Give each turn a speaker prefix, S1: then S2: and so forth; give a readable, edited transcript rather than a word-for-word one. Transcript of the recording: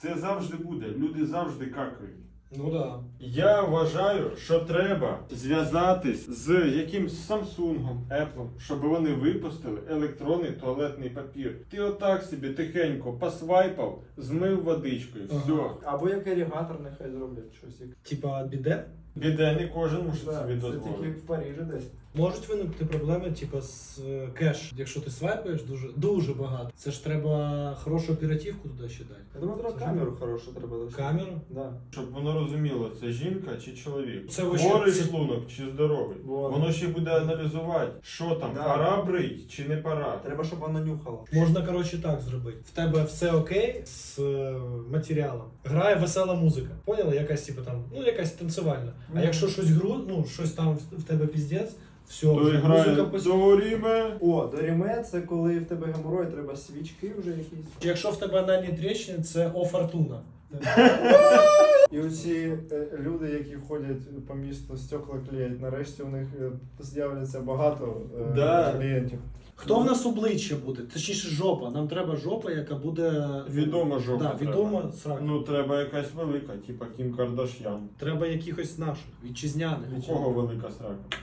S1: Це завжди буде. Люди завжди какають.
S2: Ну да.
S1: Я вважаю, що треба зв'язатись з якимсь Samsung, Apple, щоб вони випустили електронний туалетний папір. Ти отак собі тихенько посвайпав, змив водичкою, все.
S3: Або як ерігатор нехай зроблять щось.
S2: Типа біде?
S1: Біде, не кожен може
S3: Да,
S1: собі
S3: це тільки
S1: дозволити.
S3: в Парижі десь.
S2: Можуть виникнути проблеми, типа з кеш. Якщо ти свайпаєш дуже багато, це ж треба хорошу оперативку туди ще дати.
S3: Я думаю, треба
S2: Це
S3: камеру хорошу треба лише.
S2: Камеру?
S3: Да.
S1: Щоб воно розуміло, це жінка чи чоловік.
S2: Це вообще-
S1: Хворий
S2: це-
S1: шлунок чи здоровий. Воно ще буде аналізувати, що там,
S3: Да.
S1: пора брить чи не пора.
S3: Треба, щоб вона нюхала.
S2: Можна, коротше, так зробити. В тебе все окей з матеріалом. Грає весела музика. Поняла? Якась, типу, там, ну, якась танцювальна. А якщо щось щось там в тебе піздець, все,
S1: То
S2: вже
S1: грає
S2: музика
S1: до ріме.
S3: О, доріме це коли в тебе геморой, треба свічки вже якісь.
S2: Якщо в тебе анальні тріщини, це О Фортуна.
S3: І оці люди, які ходять по місту, стекла клеять, нарешті у них з'являться багато
S1: Да.
S3: клієнтів.
S2: Хто в нас обличчя буде? Точніше жопа. Нам треба жопа, яка буде...
S1: Відома жопа.
S2: Да,
S1: треба.
S2: відома срака.
S1: Ну, треба якась велика, типа Кім Кардаш'ян.
S2: Треба якихось наших, вітчизняних.
S1: У кого велика срака?